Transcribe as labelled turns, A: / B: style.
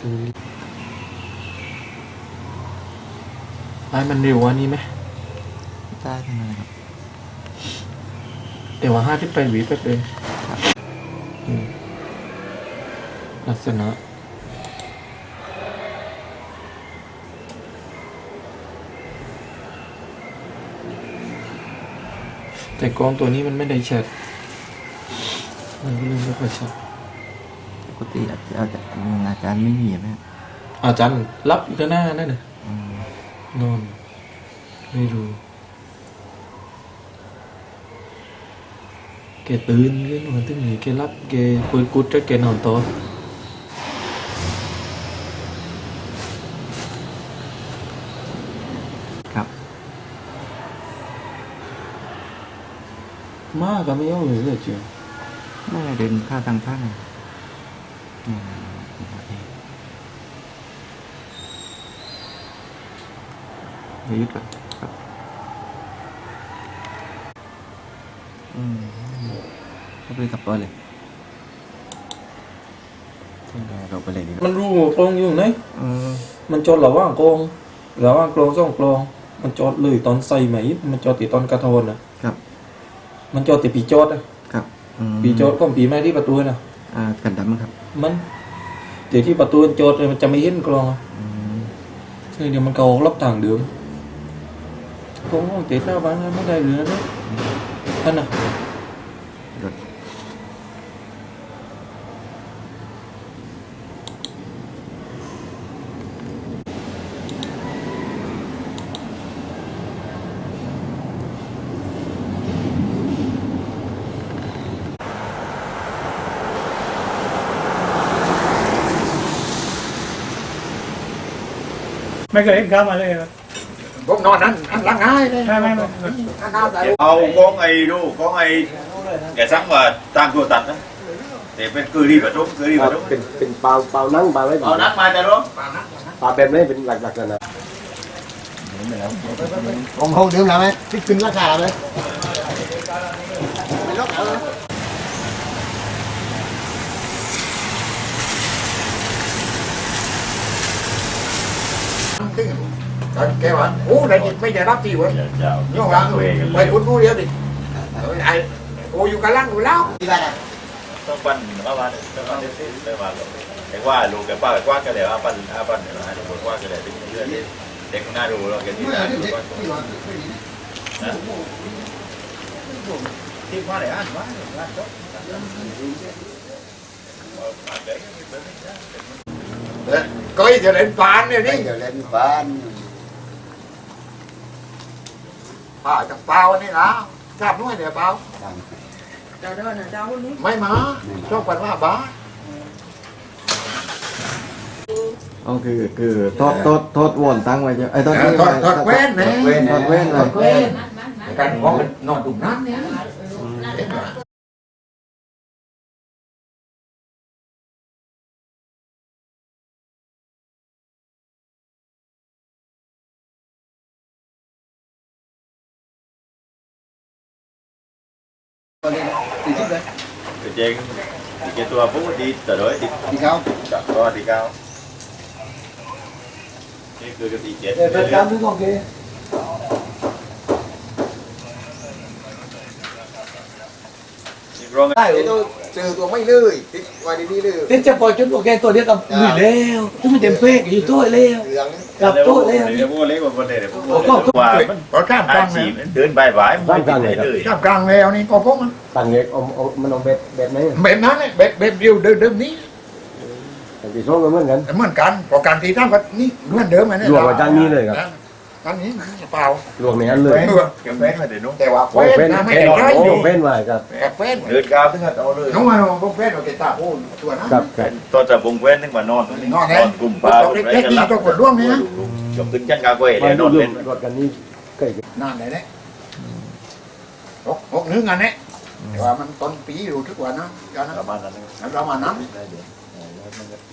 A: ไล่มันเร็วกว่านี้ไหม
B: ได้ทำไมครับ
A: แต่ว่า5ที่ไปวีแป๊บเลยลักษณะแต่กล้องตัวนี้มันไม่ได้ชัดมันก็เลยไม่ค่อยชัด
B: ปกติอาจารย์ไม่มีไหม
A: อาจารย์รับอีกหน้านั่นน่ะนอนไม่รู้แกตื่นแกนอนตึงนี้แกรับแกคุยกุดจะแกนอนต่อ
B: ครับ
A: มากก็ไม่เอาเลยเจียว
B: ไม่เดินข้าทางข้างยึดก่อนครับก็ไปกับตัวเลยเราไปเลยดี
A: มันรู้กลองอยู่ไหนมันจอดระหว่างกลองสองกลองมันจอดเลยตอนใส่ไหมมันจอดติดตอนกระโทน
B: ครับ
A: มันจอดติดปีจอด
B: ครับ
A: ปีจอดก็ปีไม้ที่ประตูนะ
B: กันดำครับ
A: มันเดี๋ยวที่ประตูจอดมันจะไม่เห็นกลองเดี๋ยวมันเกาลับต่างเดิมกลองติดหน้าบ้านไม่ได้เหลือนะท่านน่ะ
C: ไม่เคยเห็นข้ามาเลยครับ
D: ผมนอนนั้นล้างง่ายเลย
C: ไม่
D: เอาcon ấy đâu con ấy kẻ sáng mà tam cua tật đó để bên cười đi vào trốn
E: เป็นเปล่านั่งเปล่าไม่เปล่า
D: nát mai ta đó
E: เปล่าแบบนี้เป็นหลักๆนะผมห้องเดิมแล้วไหมที่ขึ้นราคาไหมไม่ลดเอาแกว่าโอ้ได้ไม่จะรับที่เว้ยย่องหลังไปคุณรู้เดียวดิไอ้โอ้อยู่กันล่างอยู่แล้วที่บ้าน
D: ต้องปั้นมาบ้านต้องปั้นได้มาหรอกแต่ว่าลูกแกป้าแกกว้างแกเดี๋ยวปั้นเดี๋ยวให้ลูกกว้างแกเดี๋ยวเป็นเรื่องเด็กคนหน้าดูเราแกที่ไหนที่ว่าไหนอ่านว่า
E: có giờ lên phán này đi giờ lên phán chắc bao này là chạp nuôi để bao mấy má cho phần là bá
B: อ๋อคือโทษวนตั้งไว้จ้ะไอ้โทษ
E: thật quen này
B: ทอดเว้นเลย
E: quen cái có nọ đụng nát nhé
D: trên cái tua phú đi từ đối
E: đi cao
D: chọn to đi cao cái cười cái gì chết
E: về cao thứ con kia tôi trừตัวไม่เลยติดไว้ดีๆเลย
C: ติดจะปล่อยจนโอเคตัวเดียวกับหนุ่ยแล้วที่มันเต็มเป๊กอยู่ตัวแล้วกับตัวแล้ว
D: เดี๋ยวพวกเล็กกว่าคนเดียวพวกว่ามัน
E: có cam
D: อาชีพเดินบ่ายๆไม่ได้เลย
E: cam càng nghèoนี่ก็พวก
B: ต่างเอกมันเอาแบบไหน
E: แบบนั้นเลยแบบเดียวเดิมนี้
B: แต่ที่ช่วงเหมือนกัน
E: เหมือนกันพอการที่ทำก็นี่เหมือนเดิมไงเนี่ย
B: รวมกับจานนี้เลยครับ
E: อันนี้เปล่าร
B: วมในนั้นเลย
D: เก็บเฟ้นมาเดี๋ยวนู้น
E: แต่ว่า
B: โอ้เฟ้น
E: ไม่
B: เฟ้น
E: ได้
B: โอ้
E: อยู่
B: เฟ้นมาครับ
E: เฟ้น
D: เดินก้าวถึงกับเอาเลย
E: น้องมาพวกเฟ้นเราเก็บตาพูดตัวนะครับ
D: ตอนจะบงเฟ้นถึงมานอนกลุ่มปลาเล็กๆก็กดร่วงนี่นะจบถึงจันกาเว่เลยนอนเล่น
B: รถกันนี่ใกล้
E: นานเลยเนี่ยหกนึงอันนี้แต่ว่ามันต้นปีอยู่ทุกวันนะประมาณนั้น